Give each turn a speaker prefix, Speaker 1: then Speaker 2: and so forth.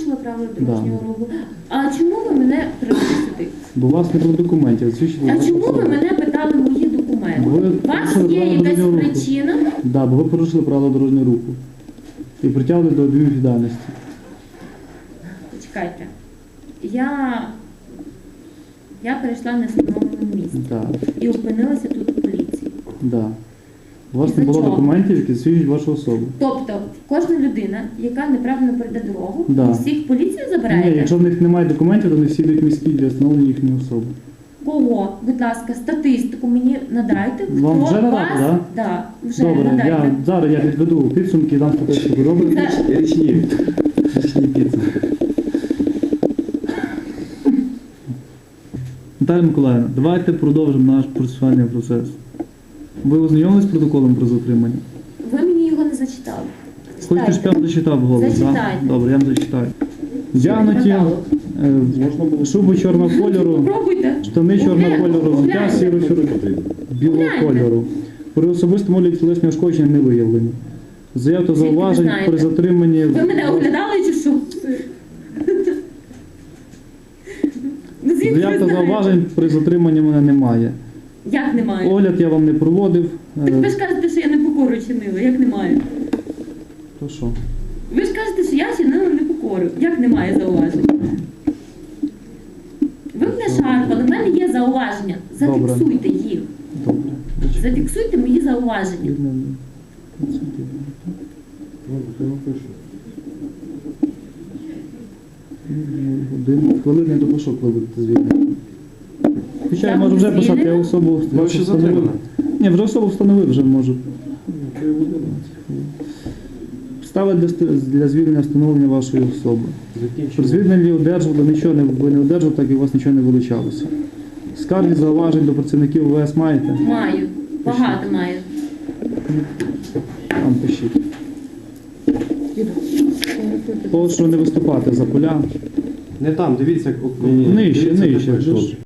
Speaker 1: порушила правила дорожнього руху. А чому ви мене привели сюди?
Speaker 2: Бо у вас не було документів.
Speaker 1: А чому ви мене питали мої документи?
Speaker 2: Ви
Speaker 1: У вас
Speaker 2: порушили
Speaker 1: є
Speaker 2: правила
Speaker 1: якась
Speaker 2: дорожнього руху.
Speaker 1: причина?
Speaker 2: Да, бо ви порушили правила дорожнього руху. І притягли до адмінвідповідальності.
Speaker 1: Почекайте. Я перейшла на встановленому місці.
Speaker 2: Так,
Speaker 1: І опинилася тут у поліції.
Speaker 2: да. У вас
Speaker 1: Із-за
Speaker 2: не було
Speaker 1: чого?
Speaker 2: документів, які засвідчують вашу особу.
Speaker 1: Тобто, кожна людина, яка неправильно перейде дорогу,
Speaker 2: Да.
Speaker 1: ви всіх в поліцію забираєте?
Speaker 2: Ні, якщо в них немає документів, то вони всі йдуть міські для встановлення їхньої особи.
Speaker 1: Кого? Будь ласка, статистику мені надайте.
Speaker 2: Вам
Speaker 1: Хто
Speaker 2: вже надати,
Speaker 1: вас?
Speaker 2: да?
Speaker 1: Да, вже
Speaker 2: Добре,
Speaker 1: надайте.
Speaker 2: зараз я підведу підсумки і дам статистику. Добре?
Speaker 1: Це-
Speaker 3: Річні підсумки.
Speaker 2: Наталя Миколаївна, давайте продовжимо наш процесуальний процес. Ви ознайомились з протоколом про затримання?
Speaker 1: Ви мені його не зачитали.
Speaker 2: Хочете, щоб я вам зачитав голос?
Speaker 1: Зачитайте.
Speaker 2: Да? Добре, я вам зачитаю. Вдягнуті шубу чорного кольору,
Speaker 1: Попробуйте.
Speaker 2: штани чорного кольору, взуття білого
Speaker 1: Гляньте.
Speaker 2: кольору. При особистому огляді тілесні ушкодження не виявлені. Заяв та зауважень
Speaker 1: знаєте?
Speaker 2: при затриманні...
Speaker 1: Ви мене оглядали чи що? Ну, звідки
Speaker 2: Заяв
Speaker 1: ви
Speaker 2: та
Speaker 1: знаєте?
Speaker 2: зауважень при затриманні мене немає.
Speaker 1: Як немає?
Speaker 2: Огляд я вам не проводив.
Speaker 1: Так ви ж кажете, що я непокору чинила. Як немає?
Speaker 2: То що?
Speaker 1: Ви ж кажете, що я чинила непокору. Як немає зауважень? Ви мене шарпали, в мене є зауваження.
Speaker 2: Добре.
Speaker 1: Зафіксуйте їх.
Speaker 2: Добре.
Speaker 1: Зафіксуйте мої зауваження.
Speaker 2: Хвилини до пошук, коли будете звільнені. Хоча я
Speaker 1: Я
Speaker 2: можу
Speaker 1: буду
Speaker 2: вже писати, я
Speaker 1: звільнена?
Speaker 2: особу
Speaker 3: Ви ще
Speaker 2: встановив.
Speaker 3: затримана?
Speaker 2: Ні, вже особу встановив, вже можу. Підстави для звільнення встановлення вашої особи. При звільненні одержували, нічого не, ви не одержували, так і у вас нічого не вилучалося. Скарги, зауважень до працівників ОВС маєте?
Speaker 1: Маю. Багато маю.
Speaker 2: Там пишіть. Прошу не виступати за поля.
Speaker 3: Не там, дивіться,
Speaker 2: Нижче,
Speaker 3: дивіться, де
Speaker 2: нижче.
Speaker 3: пройшов.